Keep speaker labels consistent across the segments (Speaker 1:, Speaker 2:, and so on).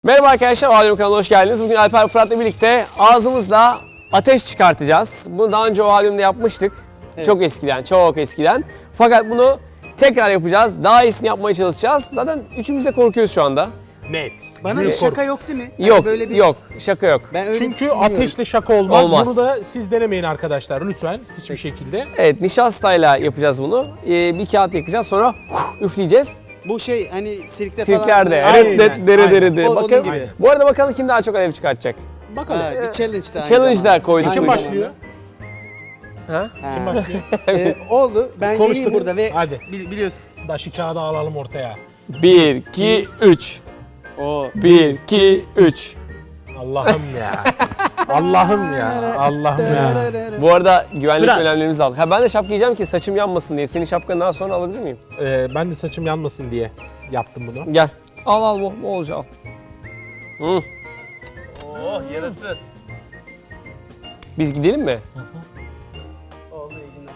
Speaker 1: Merhaba arkadaşlar, Ohalyum kanalına hoş geldiniz. Bugün Alper Fırat'la birlikte ağzımızla ateş çıkartacağız. Bunu daha önce Ohalyum'da yapmıştık. Evet. Çok eskiden. Fakat bunu tekrar yapacağız. Daha iyisini yapmaya çalışacağız. Zaten üçümüz de korkuyoruz şu anda.
Speaker 2: Net.
Speaker 3: Bana bir şaka yok değil mi?
Speaker 1: Yok, yok. Şaka yok.
Speaker 2: Çünkü ateşle şaka olmaz. Bunu da siz denemeyin arkadaşlar lütfen hiçbir şekilde.
Speaker 1: Evet, nişastayla yapacağız bunu. Bir kağıt yakacağız, sonra üfleyeceğiz.
Speaker 3: Bu şey hani sirklerde
Speaker 1: Sirklerde.
Speaker 3: falan.
Speaker 1: Evet, dere.
Speaker 3: Onun
Speaker 1: Bakın,
Speaker 3: gibi.
Speaker 1: bu arada bakalım kim daha çok alev çıkartacak.
Speaker 2: Bakalım.
Speaker 3: Bir challenge da.
Speaker 1: Challenge da koyduk.
Speaker 2: Kim başlıyor?
Speaker 1: Ha?
Speaker 2: Kim başlıyor?
Speaker 3: Oldu. Ben
Speaker 2: Konuştuk
Speaker 3: yeniyim burada ve
Speaker 2: Hadi.
Speaker 3: biliyorsun.
Speaker 2: Daşı kağıdı alalım ortaya.
Speaker 1: 1, 2, 3.
Speaker 3: O
Speaker 1: 1, 2, 3.
Speaker 2: Allah'ım ya. Allah'ım ya. Allah'ım ya.
Speaker 1: Bu arada güvenlik
Speaker 3: Fırat.
Speaker 1: önlemlerimizi aldık. Ben de şapka giyeceğim ki saçım yanmasın diye. Senin şapkanı daha sonra alabilir miyim?
Speaker 2: Ben de saçım yanmasın diye yaptım bunu.
Speaker 1: Gel. Al bu olacak al. Hı.
Speaker 3: Oh yarası.
Speaker 1: Biz gidelim mi?
Speaker 3: Oldu iyi günler.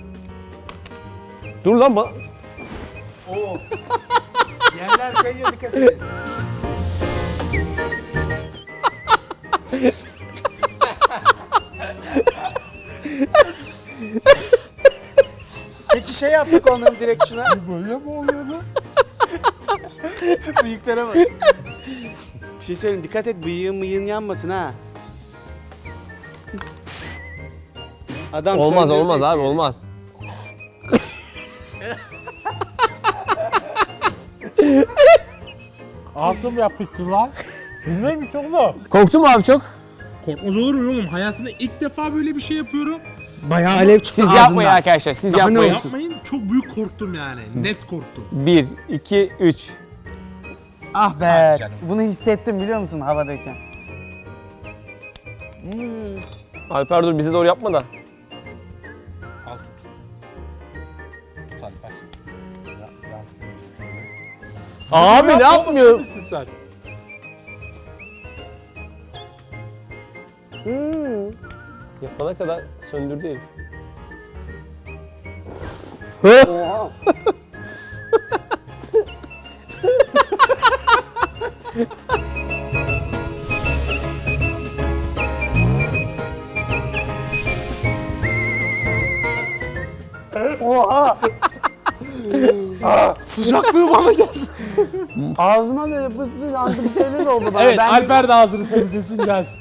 Speaker 1: Dur lan
Speaker 3: Oo. Yerler kayıyor, dikkat edin. Peki şey yaptık onların direkt şuna.
Speaker 2: Böyle mi oluyor bu?
Speaker 3: Bıyıklara bak. Bir şey söyleyeyim, dikkat et bıyığın yanmasın ha. Adam
Speaker 1: Olmaz
Speaker 3: söylüyor
Speaker 1: olmaz
Speaker 3: peki.
Speaker 1: abi olmaz.
Speaker 2: Altım yapıştı lan. Bilmem mi çok mu?
Speaker 1: Korktun mu abi çok?
Speaker 2: Korkmaz olur mu oğlum? Hayatımda ilk defa böyle bir şey yapıyorum.
Speaker 3: Bayağı alev çıktı
Speaker 1: Siz yapmayın arkadaşlar. Siz
Speaker 3: Daha ne
Speaker 1: yapmayın.
Speaker 3: olsun?
Speaker 2: Yapmayın, çok büyük korktum yani. Net korktum.
Speaker 1: 1, 2, 3.
Speaker 3: Ah be.
Speaker 2: Hadi canım.
Speaker 3: Bunu hissettim biliyor musun havadayken?
Speaker 1: Alper dur bize doğru yapma da.
Speaker 2: Al tut. Tut Alper.
Speaker 1: Abi ne yapmıyor?
Speaker 2: Misin sen?
Speaker 1: Yapana kadar söndürdü herif.
Speaker 3: Oha. Oha.
Speaker 2: Sıcaklığı bana geldi.
Speaker 3: Ağzıma da yapıştı, yandı bir şeyler oldu bana.
Speaker 2: Evet,
Speaker 3: Ben
Speaker 2: Alper de ağzını temizlesin gelsin.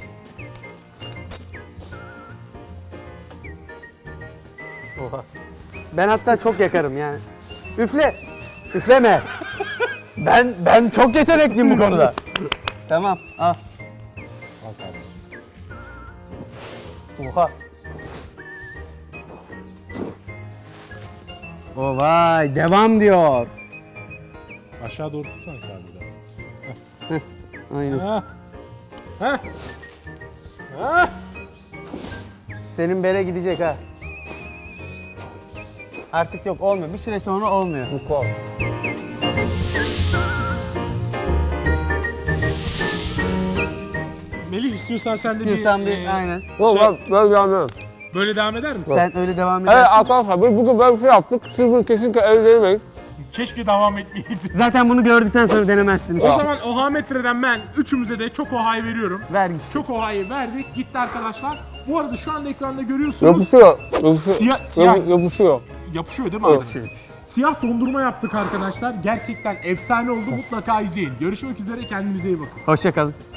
Speaker 3: Ben hatta çok yakarım yani. Üfle. Üfleme. Ben çok yetenekliyim bu konuda. Tamam. Al.
Speaker 2: Al kardeşim.
Speaker 3: Oha. O vay devam diyor.
Speaker 2: Aşağı doğru tutsana kağıdı biraz.
Speaker 3: Aynen.
Speaker 2: Ha. Ha. Ha.
Speaker 3: Senin bere gidecek ha. Artık yok olmuyor. Bir süre sonra olmuyor.
Speaker 2: Melih istiyorsan sen de
Speaker 3: İstiyorsan
Speaker 2: bir...
Speaker 3: bir aynen.
Speaker 1: Böyle yapmıyorum.
Speaker 2: Böyle devam eder misin?
Speaker 3: Sen öyle devam
Speaker 1: Evet
Speaker 3: edersin.
Speaker 1: arkadaşlar bugün böyle bir şey yaptık. Siz bunu kesinlikle evlenemeyin.
Speaker 2: Keşke devam etmeyeydin.
Speaker 3: Zaten bunu gördükten sonra denemezsiniz.
Speaker 2: O zaman oha metreden ben üçümüze de çok oha'yı veriyorum.
Speaker 3: Ver gitsin.
Speaker 2: Çok oha'yı verdik. Gitti arkadaşlar. Bu arada şu anda ekranda görüyorsunuz.
Speaker 1: Yapışıyor.
Speaker 2: Siyah.
Speaker 1: Yapışıyor.
Speaker 2: Yapışıyor değil mi ağzına? Siyah dondurma yaptık arkadaşlar. Gerçekten efsane oldu. Mutlaka izleyin. Görüşmek üzere. Kendinize iyi bakın.
Speaker 3: Hoşça kalın.